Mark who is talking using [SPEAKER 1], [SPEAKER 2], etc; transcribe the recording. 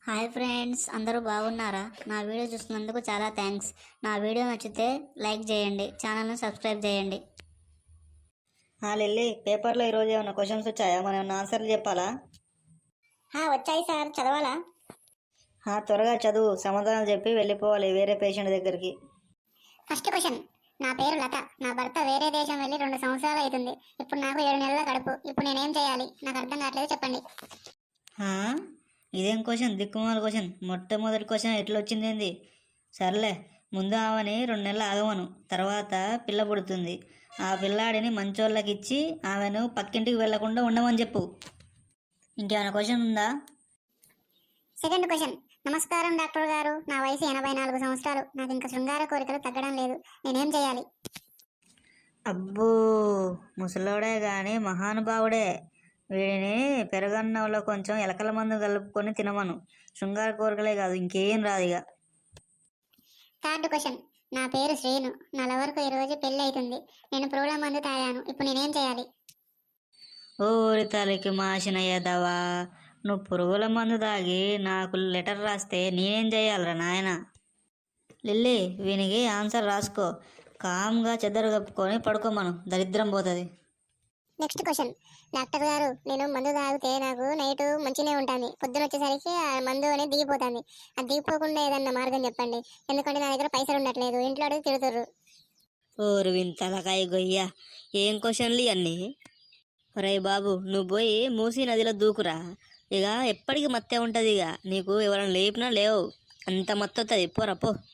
[SPEAKER 1] Hi friends, అందరూ బాగున్నారా? నా వీడియో చూస్తున్నందుకు చాలా థ్యాంక్స్. నా వీడియో నచ్చితే లైక్ చేయండి, ఛానల్ను సబ్స్క్రైబ్ చేయండి.
[SPEAKER 2] లిల్లీ, పేపర్లో ఈరోజు ఏమైనా క్వశ్చన్స్ వచ్చాయా? మనం ఏమైనా ఆన్సర్లు చెప్పాలా?
[SPEAKER 1] వచ్చాయి సార్, చదవాలా?
[SPEAKER 2] త్వరగా చదువు, సమాధానాలు చెప్పి వెళ్ళిపోవాలి వేరే పేషెంట్ దగ్గరికి.
[SPEAKER 1] First question. నా పేరు లత. నా భర్త వేరే దేశం వెళ్ళి 2 సంవత్సరాలు అవుతుంది. ఇప్పుడు నాకు 7 నెలల కడుపు. ఇప్పుడు నేనేం చేయాలి? నాకు అర్థం కావట్లేదు, చెప్పండి.
[SPEAKER 2] ఇదేం క్వశ్చన్? దిక్కుమాల క్వశ్చన్. మొట్టమొదటి క్వశ్చన్ ఎట్లా వచ్చింది ఏంది? సర్లే, ముందు ఆమెని 2 నెలలు ఆగమను. తర్వాత పిల్ల పుడుతుంది. ఆ పిల్లాడిని మంచోళ్ళకి ఇచ్చి ఆమెను పక్కింటికి వెళ్లకుండా ఉండమని చెప్పు. ఇంకేమైనా క్వశ్చన్ ఉందా?
[SPEAKER 1] Second question. నమస్కారం డాక్టర్ గారు, నా వయసు 84 సంవత్సరాలు. నాకు ఇంకా శృంగార కోరికలు తగ్గడం లేదు. నేనేం చేయాలి?
[SPEAKER 2] అబ్బో, ముసలోడే కానీ మహానుభావుడే. వీడిని పెరగన్నంలో కొంచెం ఎలకల మందు కలుపుకొని తినమను. శృంగార కోరికలే కాదు, ఇంకేం రాదు ఇక.
[SPEAKER 1] Third question. నా పేరు శ్రీను. నా లవర్కు ఈరోజు పెళ్లి అవుతుంది. నేను పురుగుల మందు తాగాను. ఇప్పుడు నేనేం చేయాలి?
[SPEAKER 2] ఓరి తలకి మాసిన యదవా, నువ్వు పురుగుల మందు తాగి నాకు లెటర్ రాస్తే నేనేం చేయాలరా నాయన? లిల్లీ, వీనికి ఆన్సర్ రాసుకో. కామ్గా చెద్దరు కప్పుకొని పడుకోమను, దరిద్రం పోతుంది.
[SPEAKER 1] Next question. డాక్టర్ గారు, నేను మందు తాగితే నాకు నైట్ మంచిగానే ఉంటుంది. పొద్దున వచ్చేసరికి ఆ మందు అనేది దిగిపోతుంది. అది దిగిపోకుండా ఏదన్నా మార్గం చెప్పండి. ఎందుకంటే నా దగ్గర పైసలు ఉండట్లేదు. ఇంట్లో అడిగి తిడుతుర్రు.
[SPEAKER 2] ఓరు వింతలకాయ గొయ్య, ఏం క్వశ్చన్లు ఇవన్నీ? ఒరే బాబు, నువ్వు పోయి మూసీ నదిలో దూకురా. ఇక ఎప్పటికీ మత్తే ఉంటుంది. ఇక నీకు ఎవరైనా లేపినా లేవు, అంత మత్తు వస్తుంది. పోరా పో.